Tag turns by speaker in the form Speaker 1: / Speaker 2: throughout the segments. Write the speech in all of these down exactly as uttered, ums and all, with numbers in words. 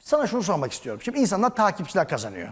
Speaker 1: Sana şunu sormak istiyorum. Şimdi insanlar takipçiler kazanıyor.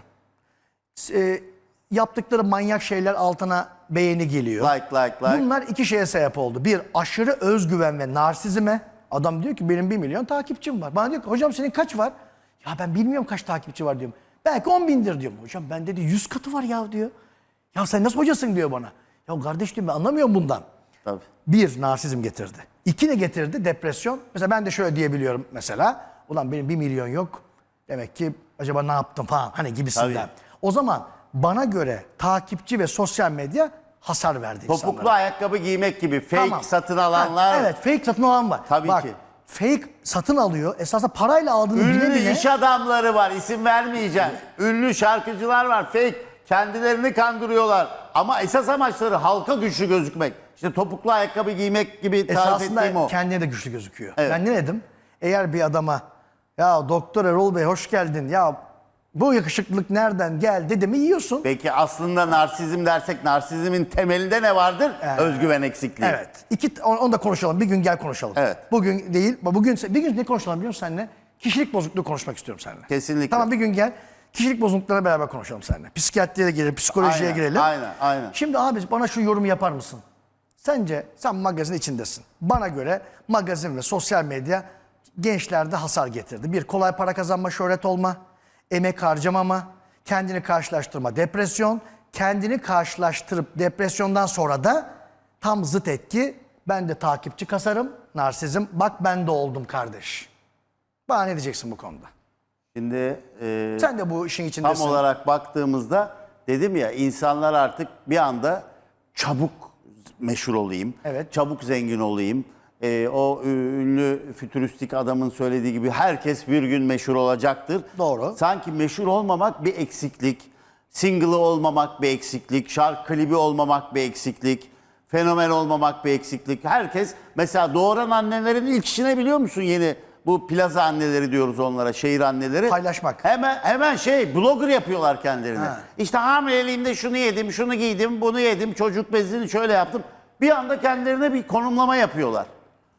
Speaker 1: E, yaptıkları manyak şeyler altına beğeni geliyor.
Speaker 2: Like, like, like.
Speaker 1: Bunlar iki şeye sebep oldu. Bir, aşırı özgüven ve narsizme. Adam diyor ki benim bir milyon takipçim var. Bana diyor ki hocam senin kaç var? Ya ben bilmiyorum kaç takipçi var diyorum. Belki on bindir diyorum. Hocam ben dedi yüz katı var ya diyor. Ya sen nasıl hocasın diyor bana. Ya kardeş diyorum ben anlamıyorum bundan.
Speaker 2: Tabii.
Speaker 1: Bir, narsizm getirdi. İki ne getirdi? Depresyon. Mesela ben de şöyle diyebiliyorum mesela. Ulan benim bir milyon yok. Demek ki acaba ne yaptım falan hani gibisinden.
Speaker 2: Tabii.
Speaker 1: O zaman bana göre takipçi ve sosyal medya hasar verdi
Speaker 2: Topuklu
Speaker 1: insanlara.
Speaker 2: ayakkabı giymek gibi fake
Speaker 1: Tamam.
Speaker 2: satın alanlar.
Speaker 1: Ha, evet fake satın alan var.
Speaker 2: Tabii
Speaker 1: Bak,
Speaker 2: ki.
Speaker 1: fake satın alıyor. Esasında parayla aldığını bile
Speaker 2: Ünlü
Speaker 1: bile.
Speaker 2: iş adamları var, isim vermeyeceğim. Ünlü şarkıcılar var, fake. Kendilerini kandırıyorlar. Ama esas amaçları halka güçlü gözükmek. İşte topuklu ayakkabı giymek gibi tarif ettiğim
Speaker 1: Esasında
Speaker 2: o.
Speaker 1: kendine de güçlü gözüküyor.
Speaker 2: Evet.
Speaker 1: Ben ne dedim? Eğer bir adama ya Doktor Erol Bey hoş geldin ya bu yakışıklılık nereden geldi dedi mi yiyorsun.
Speaker 2: Peki aslında narsizm dersek narsizmin temelinde ne vardır?
Speaker 1: Evet.
Speaker 2: Özgüven eksikliği.
Speaker 1: Evet. İki, onu onu da konuşalım. Bir gün gel konuşalım.
Speaker 2: Evet.
Speaker 1: Bugün değil. Bugün bir gün ne konuşalım biliyor musun seninle? Kişilik bozukluğu konuşmak istiyorum seninle.
Speaker 2: Kesinlikle.
Speaker 1: Tamam bir gün gel. Kişilik bozukluklarına beraber konuşalım seninle. Psikiyatriye girelim, psikolojiye
Speaker 2: Aynen,
Speaker 1: girelim.
Speaker 2: aynen, aynen.
Speaker 1: Şimdi abi bana şu yorumu yapar mısın? Sence sen magazin içindesin. Bana göre magazin ve sosyal medya gençlerde hasar getirdi. Bir, kolay para kazanma, şöhret olma, emek harcamama, kendini karşılaştırma, depresyon, kendini karşılaştırıp depresyondan sonra da tam zıt etki. Ben de takipçi kasarım, narsizm. Bak ben de oldum kardeş. Bana ne diyeceksin bu konuda?
Speaker 2: Şimdi e,
Speaker 1: Sen de bu işin içindesin.
Speaker 2: tam olarak baktığımızda dedim ya insanlar artık bir anda çabuk meşhur olayım,
Speaker 1: Evet.
Speaker 2: çabuk zengin olayım. E, o ünlü fütüristik adamın söylediği gibi herkes bir gün meşhur olacaktır.
Speaker 1: Doğru.
Speaker 2: Sanki meşhur olmamak bir eksiklik, single'ı olmamak bir eksiklik, şarkı klibi olmamak bir eksiklik, fenomen olmamak bir eksiklik. Herkes mesela doğuran annelerin ilk işine biliyor musun yeni? Bu plaza anneleri diyoruz onlara, şehir anneleri.
Speaker 1: Paylaşmak.
Speaker 2: Hemen hemen şey blogger yapıyorlar kendilerine.
Speaker 1: Ha.
Speaker 2: İşte hamileliğimde şunu yedim, şunu giydim, bunu yedim, çocuk bezini şöyle yaptım. Bir anda kendilerine bir konumlama yapıyorlar.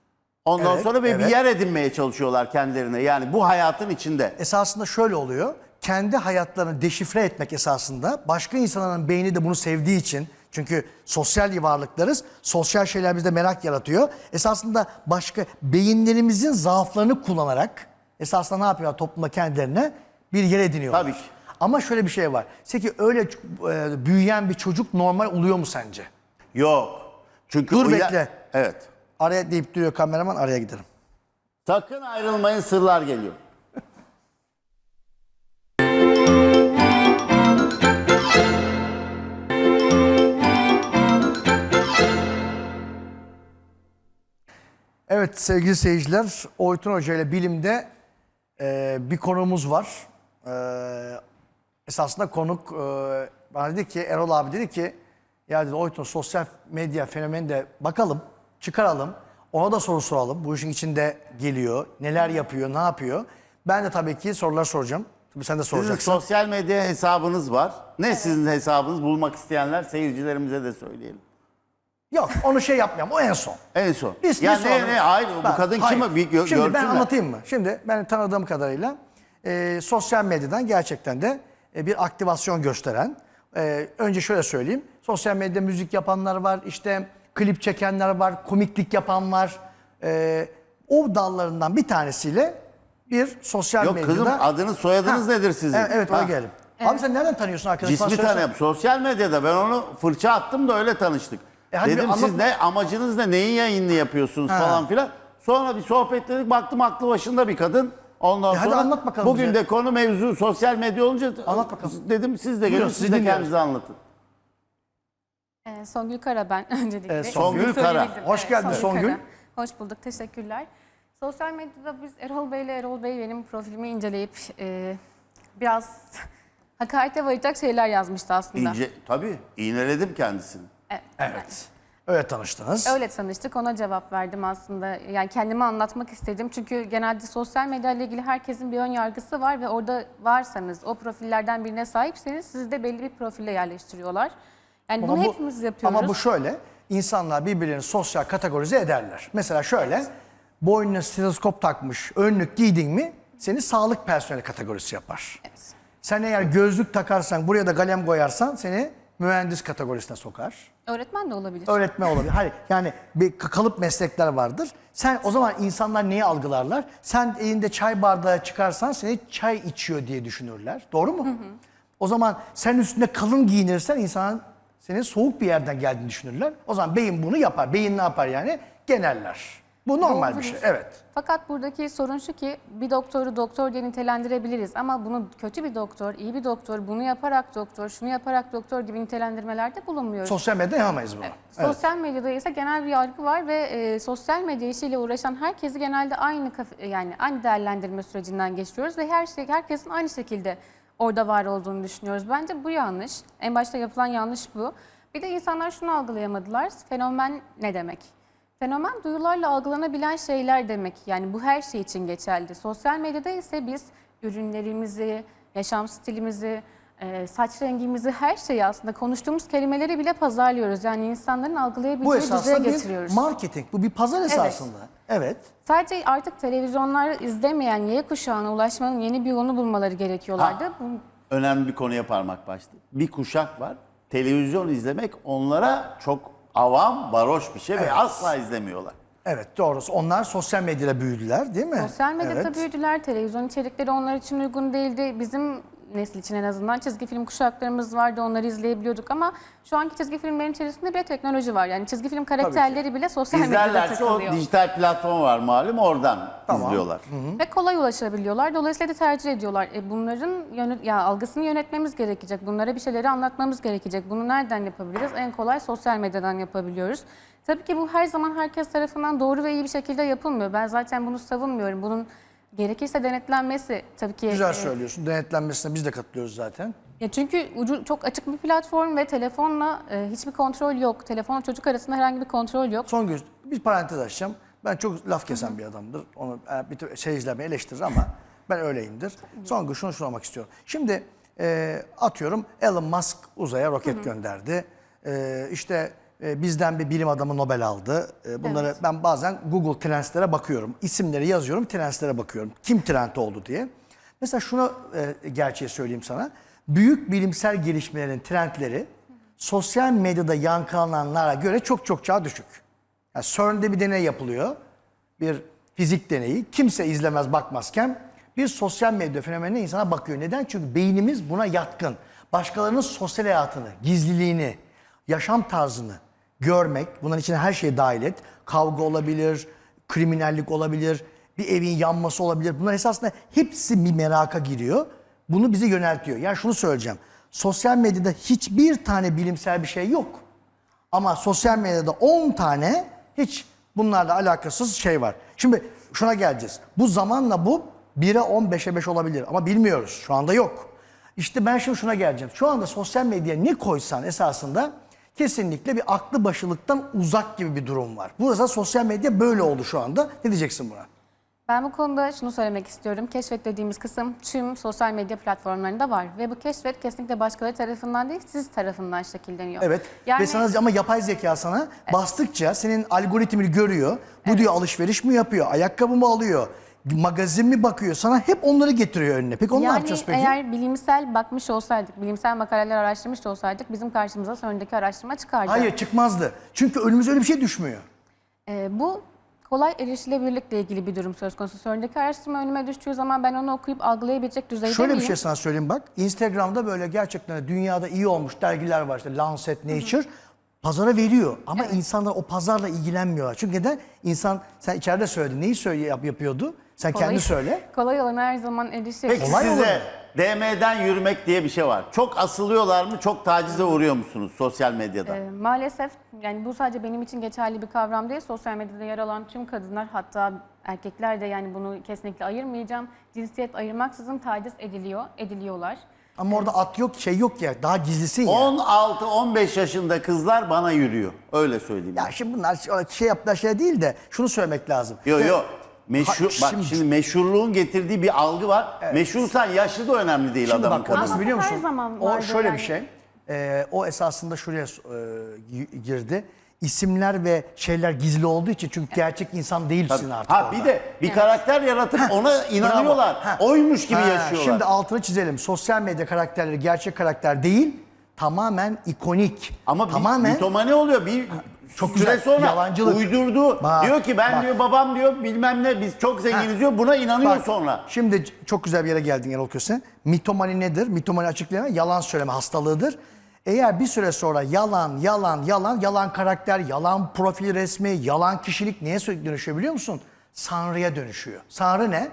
Speaker 2: Ondan
Speaker 1: Evet,
Speaker 2: sonra ve
Speaker 1: evet.
Speaker 2: bir yer edinmeye çalışıyorlar kendilerine. Yani bu hayatın içinde.
Speaker 1: Esasında şöyle oluyor. Kendi hayatlarını deşifre etmek esasında başka insanların beyni de bunu sevdiği için çünkü sosyal varlıklarız. Sosyal şeyler bizde merak yaratıyor. Esasında başka beyinlerimizin zaaflarını kullanarak esasında ne yapıyorlar toplumda kendilerine bir yer ediniyorlar.
Speaker 2: Tabii ki.
Speaker 1: Ama şöyle bir şey var. Peki öyle e, büyüyen bir çocuk normal oluyor mu sence?
Speaker 2: Yok. Çünkü
Speaker 1: Dur
Speaker 2: o ya-
Speaker 1: bekle.
Speaker 2: Evet.
Speaker 1: Araya deyip duruyor kameraman araya giderim.
Speaker 2: Sakın ayrılmayın, sırlar geliyor.
Speaker 1: Evet sevgili seyirciler, Oytun Hoca ile bilimde e, bir konuğumuz var. E, esasında konuk e, bana dedi ki, Erol abi dedi ki, ya dedi Oytun sosyal medya fenomeni de bakalım, çıkaralım, ona da soru soralım. Bu işin içinde geliyor, neler yapıyor, ne yapıyor. Ben de tabii ki sorular soracağım. Tabii sen de
Speaker 2: Sizin
Speaker 1: soracaksın.
Speaker 2: sosyal medya hesabınız var. Ne sizin hesabınız? Bulmak isteyenler seyircilerimize de söyleyelim.
Speaker 1: Yok onu şey yapmayalım, o en son.
Speaker 2: En son.
Speaker 1: Biz
Speaker 2: ya
Speaker 1: bir
Speaker 2: ne
Speaker 1: sonra-
Speaker 2: ne hayır
Speaker 1: Ben-
Speaker 2: bu kadın
Speaker 1: hayır.
Speaker 2: kim? Bir gö-
Speaker 1: Şimdi ben
Speaker 2: görsünler.
Speaker 1: anlatayım mı? Şimdi ben tanıdığım kadarıyla e, sosyal medyadan gerçekten de e, bir aktivasyon gösteren. E, önce şöyle söyleyeyim. Sosyal medyada müzik yapanlar var, işte klip çekenler var, komiklik yapan var. E, o dallarından bir tanesiyle bir sosyal
Speaker 2: Yok
Speaker 1: medyada...
Speaker 2: kızım adınız soyadınız
Speaker 1: Ha,
Speaker 2: nedir sizin?
Speaker 1: Evet, evet
Speaker 2: Ha.
Speaker 1: oraya gelelim. Abi sen nereden tanıyorsun arkadaşım? Bana
Speaker 2: Cismi
Speaker 1: söylesene.
Speaker 2: tanıyorum. Sosyal medyada ben onu fırça attım da öyle tanıştık.
Speaker 1: E hadi bir
Speaker 2: Dedim siz
Speaker 1: anlatma.
Speaker 2: ne amacınız ne neyin yayınını yapıyorsunuz
Speaker 1: Ha.
Speaker 2: falan filan. Sonra bir sohbetledik baktım aklı başında bir kadın. Ondan
Speaker 1: E hadi
Speaker 2: sonra
Speaker 1: anlat bakalım
Speaker 2: bugün
Speaker 1: bize.
Speaker 2: de konu mevzu sosyal medya olunca
Speaker 1: Anlat bakalım.
Speaker 2: dedim siz de
Speaker 1: Buyurun,
Speaker 2: gelin
Speaker 1: sizi
Speaker 2: siz de
Speaker 1: dinliyoruz.
Speaker 2: kendinizi anlatın.
Speaker 3: Ee, Songül Kara ben öncelikle.
Speaker 1: Evet, Songül
Speaker 3: İsmini
Speaker 2: Kara.
Speaker 3: söyleyebildim.
Speaker 1: Hoş geldin Songül.
Speaker 3: Kara. Hoş bulduk, teşekkürler. Sosyal medyada biz Erol Bey ile Erol Bey benim profilimi inceleyip e, biraz hakarete varacak şeyler yazmıştı aslında.
Speaker 2: İnce, tabii iğneledim kendisini.
Speaker 3: Evet.
Speaker 1: Evet. Öyle tanıştınız.
Speaker 3: Öyle tanıştık, ona cevap verdim aslında. Yani kendimi anlatmak istedim. Çünkü genelde sosyal medya ile ilgili herkesin bir ön yargısı var ve orada varsanız, o profillerden birine sahipseniz sizi de belli bir profile yerleştiriyorlar. Yani bunu
Speaker 1: bu-
Speaker 3: hepimiz yapıyoruz.
Speaker 1: Ama bu şöyle, insanlar birbirlerini sosyal kategorize ederler. Mesela şöyle, boynuna stetoskop takmış, önlük giydin mi seni sağlık personeli kategorisi yapar. Sen eğer gözlük takarsan, buraya da kalem koyarsan seni mühendis kategorisine sokar.
Speaker 3: Öğretmen de olabilir.
Speaker 1: Öğretmen olabilir. Hayır, yani bir kalıp meslekler vardır. Sen o zaman insanlar neyi algılarlar? Sen elinde çay bardağı çıkarsan seni çay içiyor diye düşünürler. Doğru mu? Hı hı. O zaman sen üstünde kalın giyinirsen insanın senin soğuk bir yerden geldiğini düşünürler. O zaman beyin bunu yapar. Beyin ne yapar yani? Geneller. Bu normal
Speaker 3: Doğrudur.
Speaker 1: bir şey. Evet.
Speaker 3: Fakat buradaki sorun şu ki bir doktoru doktor diye nitelendirebiliriz ama bunu kötü bir doktor, iyi bir doktor, bunu yaparak doktor, şunu yaparak doktor gibi nitelendirmelerde bulunmuyoruz.
Speaker 1: Sosyal medyada yapamayız bunu.
Speaker 3: Evet.
Speaker 1: Evet.
Speaker 3: Sosyal medyada ise genel bir yargı var ve e, sosyal medya işiyle uğraşan herkesi genelde aynı kaf- yani aynı değerlendirme sürecinden geçiriyoruz ve her şey herkesin aynı şekilde orada var olduğunu düşünüyoruz. Bence bu yanlış. En başta yapılan yanlış bu. Bir de insanlar şunu algılayamadılar. Fenomen ne demek? Fenomen duyularla algılanabilen şeyler demek. Yani bu her şey için geçerli. Sosyal medyada ise biz ürünlerimizi, yaşam stilimizi, e, saç rengimizi, her şeyi aslında konuştuğumuz kelimeleri bile pazarlıyoruz. Yani insanların
Speaker 1: Bu
Speaker 3: algılayabileceği düzeye
Speaker 1: esasında bir
Speaker 3: getiriyoruz.
Speaker 1: marketing. Bu bir pazar esasında. Evet.
Speaker 3: Sadece artık televizyonları izlemeyen Y kuşağına ulaşmanın yeni bir yolunu bulmaları gerekiyorlardı.
Speaker 2: Ha.
Speaker 3: Bu,
Speaker 2: Önemli bir konuya parmak bastı. Bir kuşak var. Televizyon izlemek onlara çok avam, varoş bir şey ve
Speaker 1: Evet.
Speaker 2: asla izlemiyorlar.
Speaker 1: Evet, doğrusu. Onlar sosyal medyada büyüdüler, değil mi?
Speaker 3: Sosyal medyada
Speaker 1: Evet.
Speaker 3: büyüdüler, televizyon içerikleri onlar için uygun değildi. Bizim nesil için en azından çizgi film kuşaklarımız vardı, onları izleyebiliyorduk ama şu anki çizgi filmlerin içerisinde bir teknoloji var. Yani çizgi film karakterleri bile sosyal medyada
Speaker 2: İzlerlerse o
Speaker 3: takılıyor.
Speaker 2: dijital platform var malum, oradan
Speaker 1: Tamam.
Speaker 2: izliyorlar.
Speaker 3: Ve kolay ulaşabiliyorlar. Dolayısıyla da tercih ediyorlar. E bunların yönet ya algısını yönetmemiz gerekecek. Bunlara bir şeyleri anlatmamız gerekecek. Bunu nereden yapabiliriz? En kolay sosyal medyadan yapabiliyoruz. Tabii ki bu her zaman herkes tarafından doğru ve iyi bir şekilde yapılmıyor. Ben zaten bunu savunmuyorum. Bunun gerekirse denetlenmesi tabii ki.
Speaker 1: Güzel
Speaker 3: e,
Speaker 1: söylüyorsun. Denetlenmesine biz de katılıyoruz zaten.
Speaker 3: Ya çünkü ucu çok açık bir platform ve telefonla e, hiçbir kontrol yok. Telefonla çocuk arasında herhangi bir kontrol yok.
Speaker 1: Son gün bir parantez açacağım. Ben çok laf kesen bir adamdır. Onu e, bir tür seyirciler beni eleştirir ama ben öyleyimdir. Son gün şunu sormak istiyorum. Şimdi e, atıyorum Elon Musk uzaya roket gönderdi. E, işte e, bizden bir bilim adamı Nobel aldı. E, bunları
Speaker 3: Evet.
Speaker 1: ben bazen Google Trends'lere bakıyorum. İsimleri yazıyorum, Trends'lere bakıyorum. Kim trend oldu diye. Mesela şunu e, gerçeği söyleyeyim sana. Büyük bilimsel gelişmelerin trendleri sosyal medyada yankılananlara göre çok çok daha düşük. Yani CERN'de bir deney yapılıyor. Bir fizik deneyi. Kimse izlemez bakmazken bir sosyal medya fenomenine insana bakıyor. Neden? Çünkü beynimiz buna yatkın. Başkalarının sosyal hayatını, gizliliğini, yaşam tarzını görmek, bunların içine her şeyi dahil et. Kavga olabilir, kriminallik olabilir, bir evin yanması olabilir. Bunlar esasında hepsi bir meraka giriyor. Bunu bizi yöneltiyor. Yani şunu söyleyeceğim. Sosyal medyada hiçbir tane bilimsel bir şey yok. Ama sosyal medyada on tane hiç bunlarla alakasız şey var. Şimdi şuna geleceğiz. Bu zamanla bu bire on beşe beş olabilir ama bilmiyoruz. Şu anda yok. İşte ben şimdi şuna geleceğim. Şu anda sosyal medyaya ne koysan esasında kesinlikle bir aklı başılıktan uzak gibi bir durum var. Burası sosyal medya böyle oldu şu anda. Ne diyeceksin buna?
Speaker 3: Ben bu konuda şunu söylemek istiyorum. Keşfet dediğimiz kısım tüm sosyal medya platformlarında var. Ve bu keşfet kesinlikle başkaları tarafından değil, siz tarafından şekilleniyor.
Speaker 1: Evet.
Speaker 3: Yani,
Speaker 1: Ve sana ama yapay zeka sana bastıkça senin algoritmini görüyor. Bu diyor alışveriş mi yapıyor? Ayakkabı mı alıyor? Magazin mi bakıyor? Sana hep onları getiriyor önüne. Peki onu ne
Speaker 3: yani
Speaker 1: yapacağız peki?
Speaker 3: eğer bilimsel bakmış olsaydık, bilimsel makaleler araştırmış olsaydık bizim karşımıza sonraki araştırma çıkardı.
Speaker 1: Hayır çıkmaz,dı Çünkü önümüze öyle bir şey düşmüyor.
Speaker 3: Ee, bu kolay erişilebilirlikle ilgili bir durum söz konusu. Sonraki araştırma önüme düştüğü zaman ben onu okuyup algılayabilecek düzeyde
Speaker 1: Şöyle
Speaker 3: miyim?
Speaker 1: bir şey sana söyleyeyim bak. Instagram'da böyle gerçekten dünyada iyi olmuş dergiler var işte Lancet, Nature. Pazara veriyor ama insanlar o pazarla ilgilenmiyorlar. Çünkü neden? İnsan sen içeride söyledin. Neyi söyle yap, yapıyordu? Sen
Speaker 3: Kolay-
Speaker 1: kendi söyle.
Speaker 3: Kolay olana her zaman erişir.
Speaker 2: Peki
Speaker 1: Kolay
Speaker 2: size
Speaker 1: olur.
Speaker 2: D M'den yürümek diye bir şey var. Çok asılıyorlar mı? Çok tacize uğruyor musunuz sosyal medyada?
Speaker 3: Ee, maalesef yani bu sadece benim için geçerli bir kavram değil. Sosyal medyada yer alan tüm kadınlar hatta erkekler de yani bunu kesinlikle ayırmayacağım. Cinsiyet ayırmaksızın taciz ediliyor, ediliyorlar.
Speaker 1: Ama orada at yok, şey yok ya. Daha gizlisin ya.
Speaker 2: on altı on beş yaşında kızlar bana yürüyor. Öyle söyleyeyim.
Speaker 1: Ya şimdi bunlar şey yaptılar şey değil de şunu söylemek lazım.
Speaker 2: Yo
Speaker 1: İşte-
Speaker 2: yo. Meşhur,
Speaker 1: Ha,
Speaker 2: bak
Speaker 1: şimdi-
Speaker 2: şimdi meşhurluğun getirdiği bir algı var. Meşhursan yaşlı da önemli değil
Speaker 1: Şimdi
Speaker 2: adamın
Speaker 1: bak o nasıl
Speaker 3: Ama
Speaker 1: biliyor
Speaker 3: bu her
Speaker 1: musun?
Speaker 3: zaman
Speaker 1: O
Speaker 3: vardı
Speaker 1: şöyle
Speaker 3: yani.
Speaker 1: bir şey. Ee, o esasında şuraya e, gi- girdi. isimler ve şeyler gizli olduğu için, çünkü gerçek insan değilsin artık
Speaker 2: Ha
Speaker 1: orada.
Speaker 2: bir de bir karakter yaratıp ona inanıyorlar.
Speaker 1: Bravo. Ha.
Speaker 2: Oymuş gibi
Speaker 1: Ha,
Speaker 2: yaşıyorlar.
Speaker 1: Şimdi altını çizelim. Sosyal medya karakterleri gerçek karakter değil, tamamen ikonik.
Speaker 2: Ama bir
Speaker 1: tamamen
Speaker 2: mitomani oluyor. Bir
Speaker 1: Çok
Speaker 2: süre
Speaker 1: güzel,
Speaker 2: sonra
Speaker 1: yalancılık.
Speaker 2: uydurdu.
Speaker 1: Bak,
Speaker 2: diyor ki ben
Speaker 1: bak.
Speaker 2: diyor babam diyor bilmem ne biz çok zenginiz diyor. Buna inanıyor
Speaker 1: Bak,
Speaker 2: sonra.
Speaker 1: Şimdi çok güzel bir yere geldin Erol Köse. Mitomani nedir? Mitomani açıklayan yalan söyleme hastalığıdır. Eğer bir süre sonra yalan, yalan, yalan, yalan karakter, yalan profil resmi, yalan kişilik neye sürekli dönüşüyor biliyor musun? Sanrı'ya dönüşüyor. Sanrı ne?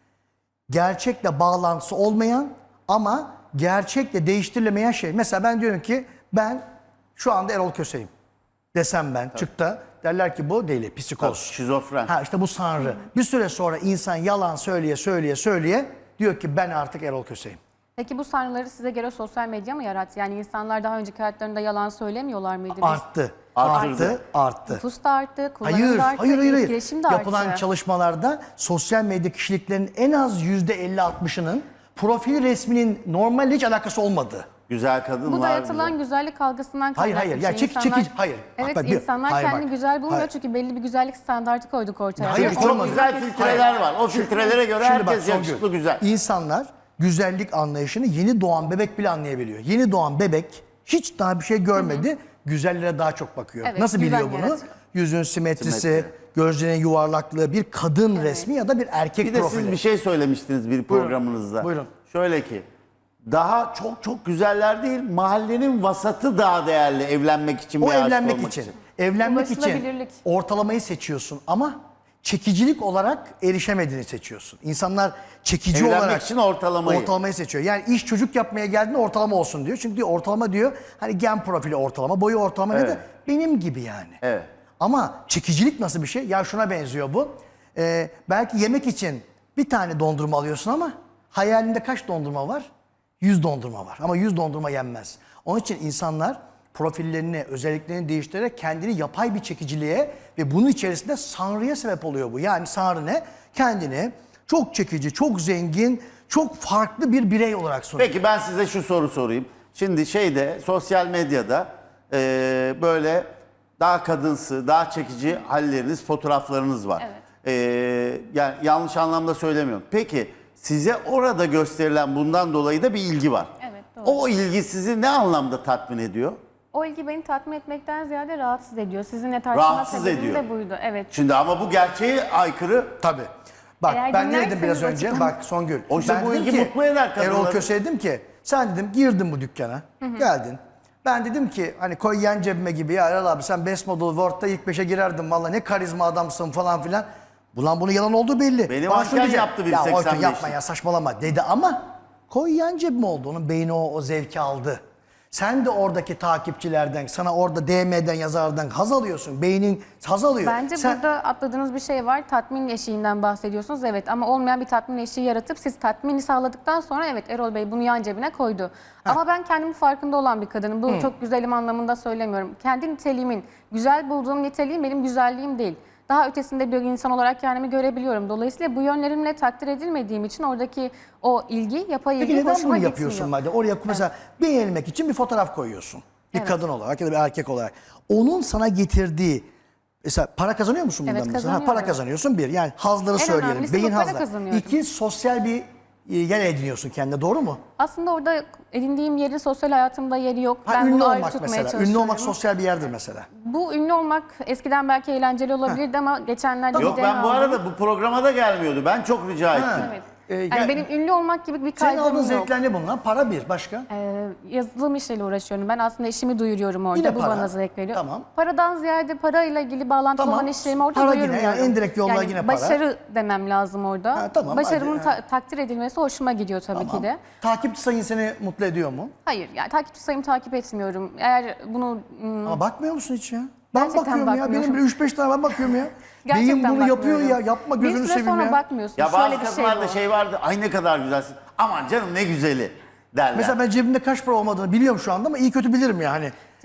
Speaker 1: Gerçekle bağlantısı olmayan ama gerçekle değiştirilemeyen şey. Mesela ben diyorum ki ben şu anda Erol Köse'yim desem ben çıktı. Derler ki bu deli, psikoz.
Speaker 2: Şizofren.
Speaker 1: Ha işte bu sanrı. Bir süre sonra insan yalan söyleye söyleye söyleye diyor ki ben artık Erol Köse'yim.
Speaker 3: Peki bu sanrıları size göre sosyal medya mı yarattı? Yani insanlar daha önceki hayatlarında yalan söylemiyorlar mıydı? Biz-
Speaker 1: Arttı.
Speaker 2: Arttırdı.
Speaker 1: Arttı. Arttı.
Speaker 3: Nüfus da arttı, kullanım
Speaker 1: Hayır,
Speaker 3: da arttı,
Speaker 1: hayır, hayır, hayır.
Speaker 3: etkileşim de
Speaker 1: Yapılan
Speaker 3: arttı.
Speaker 1: çalışmalarda sosyal medya kişiliklerinin en az yüzde elli altmışının profil resminin normalle hiç alakası olmadı.
Speaker 2: Güzel kadın
Speaker 3: Bu
Speaker 2: var.
Speaker 3: dayatılan
Speaker 2: güzel.
Speaker 3: güzellik algısından
Speaker 1: Hayır,
Speaker 3: kaynaklı.
Speaker 1: hayır. Ya
Speaker 3: bir şey.
Speaker 1: çek- çekici- hayır.
Speaker 3: Evet,
Speaker 1: Bak, bir-
Speaker 3: insanlar
Speaker 1: hayır,
Speaker 3: kendini
Speaker 1: bak.
Speaker 3: güzel bulmuyor
Speaker 1: Hayır.
Speaker 3: çünkü belli bir güzellik standartı koyduk ortaya.
Speaker 1: Hayır,
Speaker 3: Ve
Speaker 1: çok
Speaker 3: onu-
Speaker 2: Çok güzel filtreler var. O filtrelere göre
Speaker 1: Şimdi bak,
Speaker 2: herkes
Speaker 1: Songül,
Speaker 2: yakışıklı güzel.
Speaker 1: İnsanlar güzellik anlayışını yeni doğan bebek bile anlayabiliyor. Yeni doğan bebek hiç daha bir şey görmedi. Güzellere daha çok bakıyor.
Speaker 3: Evet,
Speaker 1: Nasıl biliyor
Speaker 3: güven
Speaker 1: bunu?
Speaker 3: yaratıyor.
Speaker 1: Yüzün simetrisi,
Speaker 2: Simetri.
Speaker 1: gözlerinin yuvarlaklığı, bir kadın resmi ya da bir erkek
Speaker 2: Bir de
Speaker 1: profili.
Speaker 2: siz bir şey söylemiştiniz bir programınızda.
Speaker 1: Buyurun.
Speaker 2: Şöyle ki daha çok çok güzeller değil mahallenin vasatı daha değerli evlenmek için
Speaker 1: O
Speaker 2: bir aşık
Speaker 1: evlenmek
Speaker 2: olmak
Speaker 1: için. Evlenmek için
Speaker 3: Ulaşılabilirlik.
Speaker 1: ortalamayı seçiyorsun ama çekicilik olarak erişemediğini seçiyorsun. İnsanlar çekici
Speaker 2: Evlenmek
Speaker 1: olarak
Speaker 2: için ortalamayı.
Speaker 1: ortalamayı seçiyor. Yani iş çocuk yapmaya geldiğinde ortalama olsun diyor. Çünkü diyor ortalama diyor hani gen profili ortalama, boyu ortalama ne
Speaker 2: Evet.
Speaker 1: de benim gibi yani.
Speaker 2: Evet.
Speaker 1: Ama çekicilik nasıl bir şey? Ya şuna benziyor bu. Ee, belki yemek için bir tane dondurma alıyorsun ama hayalinde kaç dondurma var? Yüz dondurma var. Ama yüz dondurma yenmez. Onun için insanlar profillerini, özelliklerini değiştirerek kendini yapay bir çekiciliğe ve bunun içerisinde sanrıya sebep oluyor bu. Yani sanrı ne? Kendini çok çekici, çok zengin, çok farklı bir birey olarak sunuyor.
Speaker 2: Peki ben size şu soru sorayım. Şimdi şeyde sosyal medyada eee, böyle daha kadınsı, daha çekici halleriniz, fotoğraflarınız var.
Speaker 3: Evet.
Speaker 2: Eee, yani yanlış anlamda söylemiyorum. Peki size orada gösterilen bundan dolayı da bir ilgi var.
Speaker 3: Evet, doğru.
Speaker 2: O ilgi sizi ne anlamda tatmin ediyor?
Speaker 3: O ilgi beni tatmin etmekten ziyade rahatsız ediyor. Sizinle tartışma
Speaker 2: Rahatsız
Speaker 3: sebebim
Speaker 2: ediyor.
Speaker 3: de buydu. Evet.
Speaker 2: Şimdi ama bu gerçeğe aykırı.
Speaker 1: Tabii. Bak
Speaker 3: Eğer
Speaker 1: ben ne dedim
Speaker 3: dinlerseniz
Speaker 1: biraz önce?
Speaker 3: açıklam-
Speaker 1: Bak Songül.
Speaker 2: Oysa
Speaker 1: ben
Speaker 2: bu
Speaker 1: dedim
Speaker 2: ilgi
Speaker 1: ki,
Speaker 2: mutlu eder kadınları.
Speaker 1: Erol Köse dedim ki sen dedim girdin bu dükkana. Geldin. Ben dedim ki hani koy yan cebime gibi ya Erol abi sen Best Model World'da ilk beşe girerdin valla ne karizma adamsın falan filan. Ulan bunun yalan olduğu belli.
Speaker 2: Beni
Speaker 1: Bana
Speaker 2: manken
Speaker 1: şunu diyecek,
Speaker 2: yaptı bir
Speaker 1: Ya
Speaker 2: seksen
Speaker 1: Oytun
Speaker 2: beşlik.
Speaker 1: yapma ya saçmalama dedi ama koy yan cebime oldu. Onun beyni o, o zevki aldı. Sen de oradaki takipçilerden, sana orada D M'den yazardan haz alıyorsun. Beynin haz alıyor.
Speaker 3: Bence
Speaker 1: Sen-
Speaker 3: burada atladığınız bir şey var. Tatmin eşiğinden bahsediyorsunuz. Evet ama olmayan bir tatmin eşiği yaratıp siz tatmini sağladıktan sonra evet Erol Bey bunu yan cebine koydu. Ama ben kendimin farkında olan bir kadınım. Bu çok güzelim anlamında söylemiyorum. Kendi niteliğimin, güzel bulduğum niteliğim benim güzelliğim değil. Daha ötesinde bir insan olarak kendimi görebiliyorum. Dolayısıyla bu yönlerimle takdir edilmediğim için oradaki o ilgi, yapay ilgi
Speaker 1: Peki neden
Speaker 3: hoşuma
Speaker 1: bunu
Speaker 3: gitmiyor.
Speaker 1: yapıyorsun madem? Oraya mesela beğenilmek için bir fotoğraf koyuyorsun. Bir
Speaker 3: Evet.
Speaker 1: kadın olarak ya da bir erkek olarak. Onun sana getirdiği mesela para kazanıyor musun bundan
Speaker 3: Evet,
Speaker 1: mesela? Ha, para
Speaker 3: kazanıyorum.
Speaker 1: kazanıyorsun bir. Yani hazları
Speaker 3: En
Speaker 1: söyleyelim.
Speaker 3: önemlisi
Speaker 1: Beyin
Speaker 3: bu, para
Speaker 1: hazları.
Speaker 3: kazanıyorum.
Speaker 1: İki sosyal bir e, yer ediniyorsun kendine. Doğru mu?
Speaker 3: Aslında orada edindiğim yerin sosyal hayatımda yeri yok.
Speaker 1: Ha,
Speaker 3: ben
Speaker 1: ünlü
Speaker 3: bunu ayrı
Speaker 1: olmak
Speaker 3: tutmaya
Speaker 1: mesela. Ünlü
Speaker 3: çalışıyorum.
Speaker 1: olmak sosyal bir yerdir mesela.
Speaker 3: Bu ünlü olmak eskiden belki eğlenceli olabilirdi ama geçenlerde
Speaker 2: Yok
Speaker 3: bir D N A
Speaker 2: ben bu
Speaker 3: aldım.
Speaker 2: arada bu programa da gelmiyordu. Ben çok rica ettim.
Speaker 3: Evet.
Speaker 1: Ee,
Speaker 3: Yani
Speaker 1: gel-
Speaker 3: benim ünlü olmak gibi bir
Speaker 1: Senin
Speaker 3: kaygım
Speaker 1: aldığın
Speaker 3: yok.
Speaker 1: zevkler ne bunlar? Para bir. Başka?
Speaker 3: Ee, yazılım işiyle uğraşıyorum. Ben aslında işimi duyuruyorum orada.
Speaker 1: Yine
Speaker 3: Bu
Speaker 1: para.
Speaker 3: bana zevk veriyor.
Speaker 1: Tamam.
Speaker 3: Paradan ziyade parayla ilgili bağlantılı
Speaker 1: Tamam.
Speaker 3: olan işlerimi orada
Speaker 1: Para
Speaker 3: duyuruyorum.
Speaker 1: yine, yani en direkt yollar yine para.
Speaker 3: Başarı demem lazım orada.
Speaker 1: Ha, tamam,
Speaker 3: Başarımın
Speaker 1: hadi,
Speaker 3: ta- takdir edilmesi hoşuma gidiyor tabii
Speaker 1: Tamam.
Speaker 3: ki de.
Speaker 1: Takipçi sayın seni mutlu ediyor mu?
Speaker 3: Hayır yani takipçi sayımı takip etmiyorum. Eğer bunu ım,
Speaker 1: Ama bakmıyor musun hiç ya? Ben
Speaker 3: Gerçekten
Speaker 1: bakıyorum ya.
Speaker 3: bakmıyorum.
Speaker 1: Benim bile üç beş tane ben bakıyorum ya.
Speaker 3: gerçekten
Speaker 1: Beyin bunu yapıyor
Speaker 3: bakmıyorum.
Speaker 1: ya. Yapma
Speaker 3: Bir
Speaker 1: gözünü
Speaker 3: süre
Speaker 1: seveyim
Speaker 3: sonra
Speaker 1: ya.
Speaker 3: bakmıyorsun.
Speaker 2: Ya bazı
Speaker 3: Şöyle bir şey
Speaker 2: kadınlarda
Speaker 3: bu.
Speaker 2: şey vardı. Ay ne kadar güzelsin. Aman canım ne güzeli derler.
Speaker 1: Mesela ben cebimde kaç para olmadığını biliyorum şu anda ama iyi kötü bilirim yani.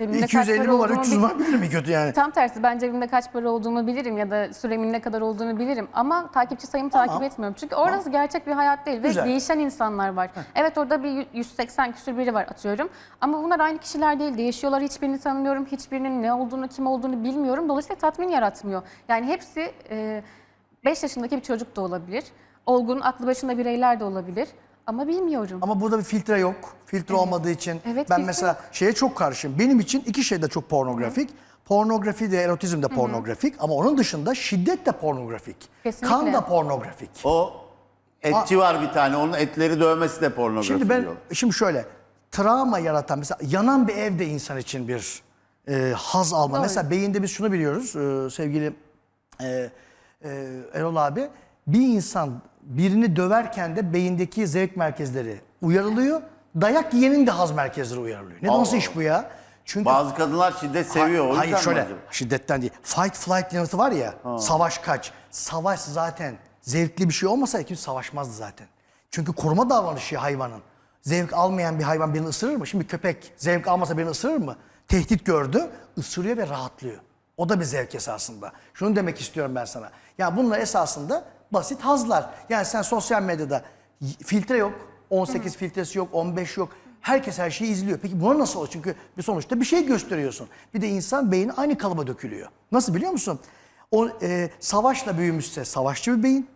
Speaker 3: Cebimde
Speaker 1: iki yüz elli
Speaker 3: kaç
Speaker 1: mi
Speaker 3: para
Speaker 1: var,
Speaker 3: olduğumu
Speaker 1: üç yüz
Speaker 3: bil-
Speaker 1: var bilir mi kötü yani?
Speaker 3: Tam tersi, ben cebimde kaç para olduğumu bilirim ya da süremin ne kadar olduğunu bilirim ama takipçi sayımı
Speaker 1: Tamam.
Speaker 3: takip etmiyorum. Çünkü orası gerçek bir hayat değil
Speaker 1: Güzel.
Speaker 3: ve değişen insanlar var. Evet, orada bir yüz seksen küsur biri var atıyorum ama bunlar aynı kişiler değil, değişiyorlar. Hiçbirini tanımıyorum, hiçbirinin ne olduğunu, kim olduğunu bilmiyorum. Dolayısıyla tatmin yaratmıyor. Yani hepsi beş yaşındaki bir çocuk da olabilir, olgun, aklı başında bireyler de olabilir ama bilmiyorum.
Speaker 1: Ama burada bir filtre yok. Filtre olmadığı için
Speaker 3: Evet,
Speaker 1: ben
Speaker 3: filtre
Speaker 1: mesela şeye çok karşıyım. Benim için iki şey de çok pornografik. Pornografi de erotizm de pornografik ama onun dışında şiddet de pornografik.
Speaker 3: Kesinlikle.
Speaker 1: Kan da pornografik.
Speaker 2: O etçi var bir tane. Onun etleri dövmesi de pornografi
Speaker 1: Şimdi ben
Speaker 2: diyor.
Speaker 1: şimdi şöyle travma yaratan mesela yanan bir evde insan için bir e, haz alma.
Speaker 3: Doğru.
Speaker 1: Mesela beyinde biz şunu biliyoruz e, sevgili e, e, Erol abi, bir insan birini döverken de beyindeki zevk merkezleri uyarılıyor. Dayak yiyenin de haz merkezleri uyarılıyor. Ne
Speaker 2: Allah
Speaker 1: nasıl
Speaker 2: Allah.
Speaker 1: iş bu ya? Çünkü
Speaker 2: Bazı kadınlar şiddet seviyor. O yüzden
Speaker 1: hayır
Speaker 2: mi
Speaker 1: şöyle
Speaker 2: acaba?
Speaker 1: şiddetten değil. Fight flight yanıtı var ya. Savaş kaç. Savaş zaten zevkli bir şey olmasaydı kimse savaşmazdı zaten. Çünkü koruma davranışı hayvanın. Zevk almayan bir hayvan birini ısırır mı? Şimdi köpek zevk almasa birini ısırır mı? Tehdit gördü, ısırıyor ve rahatlıyor. O da bir zevk esasında. Şunu demek istiyorum ben sana. Ya bunlar esasında basit hazlar. Yani sen sosyal medyada filtre yok, on sekiz filtresi yok, on beş yok. Herkes her şeyi izliyor. Peki buna nasıl olur? Çünkü bir sonuçta bir şey gösteriyorsun. Bir de insan beyni aynı kalıba dökülüyor. Nasıl biliyor musun? O e, savaşla büyümüşse savaşçı bir beyin.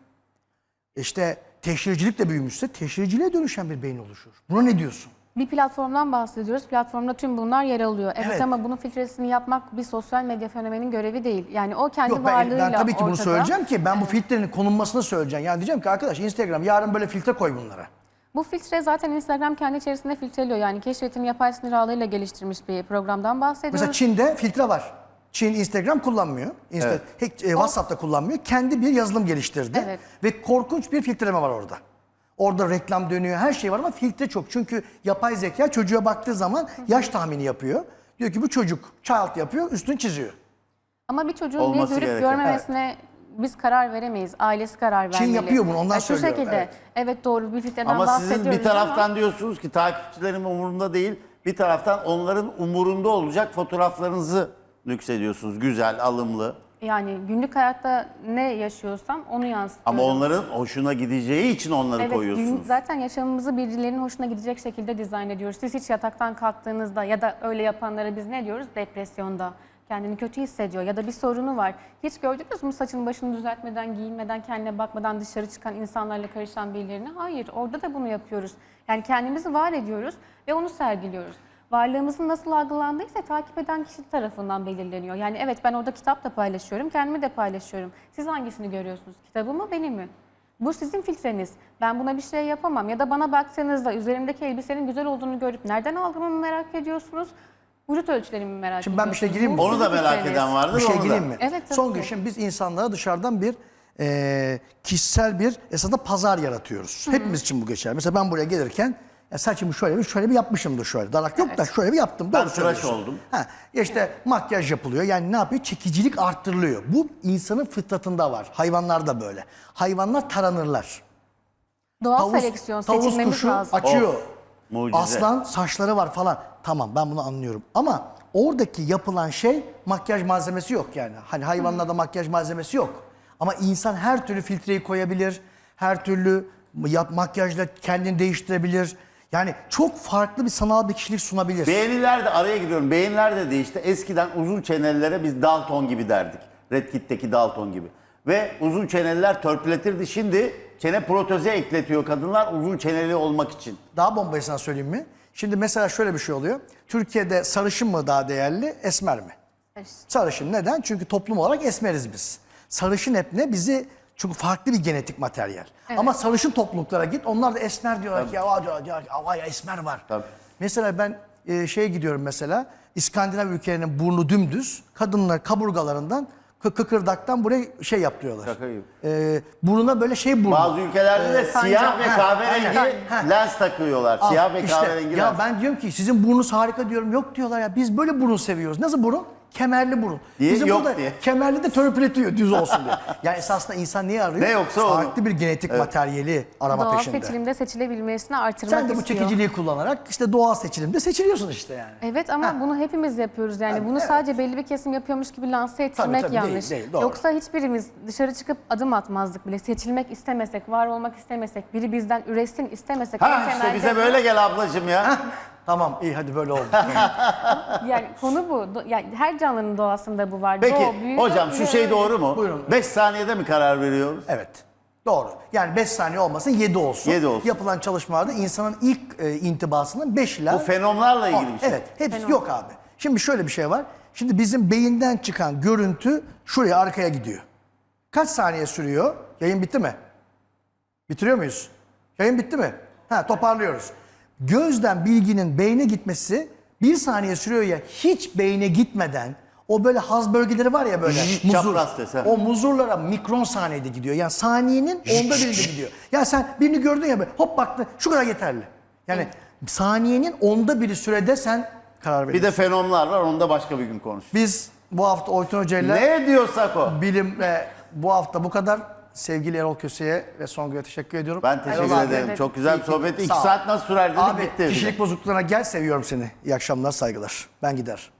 Speaker 1: İşte teşhircilikle büyümüşse teşhirciliğe dönüşen bir beyin oluşur. Buna ne diyorsun?
Speaker 3: Bir platformdan bahsediyoruz. Platformda tüm bunlar yer alıyor. Evet,
Speaker 1: Evet.
Speaker 3: ama bunun filtresini yapmak bir sosyal medya fenomenin görevi değil. Yani o kendi
Speaker 1: Yok ben,
Speaker 3: varlığıyla
Speaker 1: ben tabii ki bunu
Speaker 3: ortada.
Speaker 1: söyleyeceğim ki ben bu filtrenin konulmasını söyleyeceğim. Yani diyeceğim ki arkadaş Instagram yarın böyle filtre koy bunlara.
Speaker 3: Bu filtre zaten Instagram kendi içerisinde filtreliyor. Yani keşfetini yapay sinir ağlarıyla geliştirmiş bir programdan bahsediyoruz.
Speaker 1: Mesela Çin'de filtre var. Çin Instagram kullanmıyor. Insta,
Speaker 2: Evet.
Speaker 1: hiç, e, WhatsApp'ta kullanmıyor. Kendi bir yazılım geliştirdi.
Speaker 3: Evet.
Speaker 1: Ve korkunç bir filtreleme var orada. Orada reklam dönüyor, her şey var ama filtre çok. Çünkü yapay zeka çocuğa baktığı zaman yaş tahmini yapıyor. Diyor ki bu çocuk child yapıyor, üstünü çiziyor.
Speaker 3: Ama bir çocuğun
Speaker 2: Olması
Speaker 3: ne görüp
Speaker 2: gereken.
Speaker 3: görmemesine biz karar veremeyiz. Ailesi karar vermeli.
Speaker 1: yapıyor bunu, ondan
Speaker 3: Ya şu
Speaker 1: söylüyorum,
Speaker 3: şekilde,
Speaker 1: evet.
Speaker 3: evet. doğru bir filtreden
Speaker 2: Ama
Speaker 3: bahsediyoruz
Speaker 2: sizin bir taraftan
Speaker 3: ama
Speaker 2: diyorsunuz ki takipçilerim umurunda değil. Bir taraftan onların umurunda olacak fotoğraflarınızı nüksediyorsunuz. Güzel, alımlı.
Speaker 3: yani günlük hayatta ne yaşıyorsam onu yansıtıyorum.
Speaker 2: Ama onların hoşuna gideceği için onları
Speaker 3: Evet,
Speaker 2: koyuyorsunuz.
Speaker 3: günlük zaten yaşamımızı birilerinin hoşuna gidecek şekilde dizayn ediyoruz. Siz hiç yataktan kalktığınızda ya da öyle yapanlara biz ne diyoruz? Depresyonda. Kendini kötü hissediyor ya da bir sorunu var. Hiç gördünüz mü saçını başını düzeltmeden, giyinmeden, kendine bakmadan dışarı çıkan insanlarla karışan birilerini? Hayır, orada da bunu yapıyoruz. Yani kendimizi var ediyoruz ve onu sergiliyoruz. Varlığımızın nasıl algılandıysa takip eden kişi tarafından belirleniyor. Yani evet, ben orada kitap da paylaşıyorum, kendimi de paylaşıyorum. Siz hangisini görüyorsunuz? Kitabı mı, beni mi? Bu sizin filtreniz. Ben buna bir şey yapamam. Ya da bana baktığınızda üzerimdeki elbisenin güzel olduğunu görüp nereden aldığımı merak ediyorsunuz? Vücut ölçülerimi merak
Speaker 1: Şimdi
Speaker 3: ediyorsunuz.
Speaker 1: ben bir şey gireyim mi?
Speaker 3: Bu
Speaker 2: Onu da
Speaker 3: sizin
Speaker 2: merak
Speaker 3: filtreniz.
Speaker 2: eden vardır.
Speaker 1: Bir şey
Speaker 2: onu da.
Speaker 1: gireyim mi?
Speaker 3: Evet, tabii
Speaker 1: Son
Speaker 3: ki.
Speaker 1: gün şimdi biz insanlara dışarıdan bir e, kişisel bir esasında pazar yaratıyoruz. Hepimiz için bu geçer. Mesela ben buraya gelirken ya saçımı şöyle bir şöyle bir yapmışımdır şöyle. Darak yok da şöyle bir yaptım.
Speaker 2: Ben
Speaker 1: Doğru
Speaker 2: tıraş
Speaker 1: söylüyorsun.
Speaker 2: oldum.
Speaker 1: Ha, işte makyaj yapılıyor. Yani ne yapıyor? Çekicilik arttırılıyor. Bu insanın fıtratında var. Hayvanlar da böyle. Hayvanlar taranırlar.
Speaker 3: Doğal seleksiyon
Speaker 1: tavus
Speaker 3: seçilmemiz
Speaker 1: kuşu
Speaker 3: lazım.
Speaker 1: açıyor.
Speaker 2: Of, mucize.
Speaker 1: Aslan saçları var falan. Tamam ben bunu anlıyorum. Ama oradaki yapılan şey makyaj malzemesi yok yani. Hani hayvanlarda makyaj malzemesi yok. Ama insan her türlü filtreyi koyabilir. Her türlü yap, makyajla kendini değiştirebilir. Yani çok farklı bir sanal bir kişilik sunabilir.
Speaker 2: Beğeniler de araya giriyorum. Beğeniler de değişti. Eskiden uzun çenelilere biz Dalton gibi derdik. Red Kit'teki Dalton gibi. Ve uzun çeneliler törpületirdi. Şimdi çene protezi ekletiyor kadınlar uzun çeneli olmak için.
Speaker 1: Daha bombayı sana söyleyeyim mi? Şimdi mesela şöyle bir şey oluyor. Türkiye'de sarışın mı daha değerli, esmer mi? Sarışın. Neden? Çünkü toplum olarak esmeriz biz. Sarışın hep ne? Bizi çünkü farklı bir genetik materyal.
Speaker 3: Evet.
Speaker 1: Ama sarışın topluluklara git. Onlar da esmer diyorlar ki ya diyor, diyor, ya esmer var.
Speaker 2: Tabii.
Speaker 1: Mesela ben e, şeye gidiyorum mesela. İskandinav ülkelerinin burnu dümdüz. Kadınlar kaburgalarından kı- kıkırdaktan buraya şey yapıyorlar.
Speaker 2: Şaka gibi.
Speaker 1: E, burnuna böyle şey burnu.
Speaker 2: Bazı ülkelerde de
Speaker 3: Sancak.
Speaker 2: siyah ve
Speaker 1: Ha,
Speaker 2: kahverengi
Speaker 1: aynen. Ha.
Speaker 2: lens takıyorlar. Siyah ve
Speaker 1: İşte,
Speaker 2: kahverengi
Speaker 1: ya
Speaker 2: lens.
Speaker 1: ben diyorum ki sizin burnunuz harika diyorum. Yok diyorlar ya biz böyle burun seviyoruz. Nasıl burun? kemerli burun.
Speaker 2: Diye,
Speaker 1: Bizim
Speaker 2: yok
Speaker 1: burada
Speaker 2: diye.
Speaker 1: kemerli de törpületiyor düz olsun diye. Yani esasında insan niye arıyor?
Speaker 2: Ne yoksa onu.
Speaker 1: Farklı bir genetik materyali arama
Speaker 3: Doğal
Speaker 1: peşinde.
Speaker 3: seçilimde seçilebilmesini artırmak
Speaker 1: Sen de bu
Speaker 3: istiyor.
Speaker 1: çekiciliği kullanarak işte doğal seçilimde seçiliyorsun işte yani.
Speaker 3: Evet ama bunu hepimiz yapıyoruz yani. Bunu sadece belli bir kesim yapıyormuş gibi lanse ettirmek
Speaker 1: tabii, değil,
Speaker 3: yanlış.
Speaker 1: değil, doğru.
Speaker 3: Yoksa hiçbirimiz dışarı çıkıp adım atmazdık bile. Seçilmek istemesek, var olmak istemesek, biri bizden üretsin istemesek. en
Speaker 2: Ha işte
Speaker 3: temelde
Speaker 2: bize
Speaker 3: bu.
Speaker 2: böyle gel ablacığım ya.
Speaker 1: Tamam iyi hadi böyle oldu.
Speaker 3: Yani konu bu. Do- Yani her canlının doğasında bu var.
Speaker 2: Peki
Speaker 3: Doğu, büyü,
Speaker 2: hocam şu
Speaker 3: ve
Speaker 2: şey
Speaker 3: öyle.
Speaker 2: doğru mu?
Speaker 1: Buyurun.
Speaker 2: beş saniyede mi karar veriyoruz?
Speaker 1: Evet. Doğru. Yani beş saniye olmasın yedi olsun.
Speaker 2: yedi olsun.
Speaker 1: Yapılan çalışmalarda insanın ilk e, intibasının beş ila
Speaker 2: Bu fenomlarla ilgili
Speaker 1: on.
Speaker 2: bir şey.
Speaker 1: Evet. Hepsi
Speaker 3: Fenomen.
Speaker 1: yok abi. Şimdi şöyle bir şey var. Şimdi bizim beyinden çıkan görüntü şuraya arkaya gidiyor. Kaç saniye sürüyor? Yayın bitti mi? Bitiriyor muyuz? Yayın bitti mi? Ha toparlıyoruz. Gözden bilginin beyne gitmesi bir saniye sürüyor ya hiç beyne gitmeden o böyle haz bölgeleri var ya böyle
Speaker 2: Zzz,
Speaker 1: muzur.
Speaker 2: çapraz ses, ha.
Speaker 1: O muzurlara mikron saniyede gidiyor. Yani saniyenin onda birinde gidiyor. Ya sen birini gördün ya böyle hop baktın şu kadar yeterli. Yani saniyenin onda biri sürede sen karar
Speaker 2: Bir
Speaker 1: veriyorsun.
Speaker 2: de fenomlar var onu da başka bir gün konuşuruz.
Speaker 1: Biz bu hafta Oytun Hoca ile
Speaker 2: Ne diyorsak o.
Speaker 1: bilim ve bu hafta bu kadar. Sevgili Erol Köse'ye ve Songül'e teşekkür ediyorum.
Speaker 2: Ben teşekkür
Speaker 1: Erol abi,
Speaker 2: ederim.
Speaker 3: evet.
Speaker 2: Çok güzel bir
Speaker 1: İyi ki-
Speaker 2: sohbetti. İki
Speaker 1: Sağ ol.
Speaker 2: saat nasıl sürer dedik
Speaker 1: Abi
Speaker 2: bitti.
Speaker 1: kişilik bozukluklarına gel seviyorum seni. İyi akşamlar saygılar. Ben gider.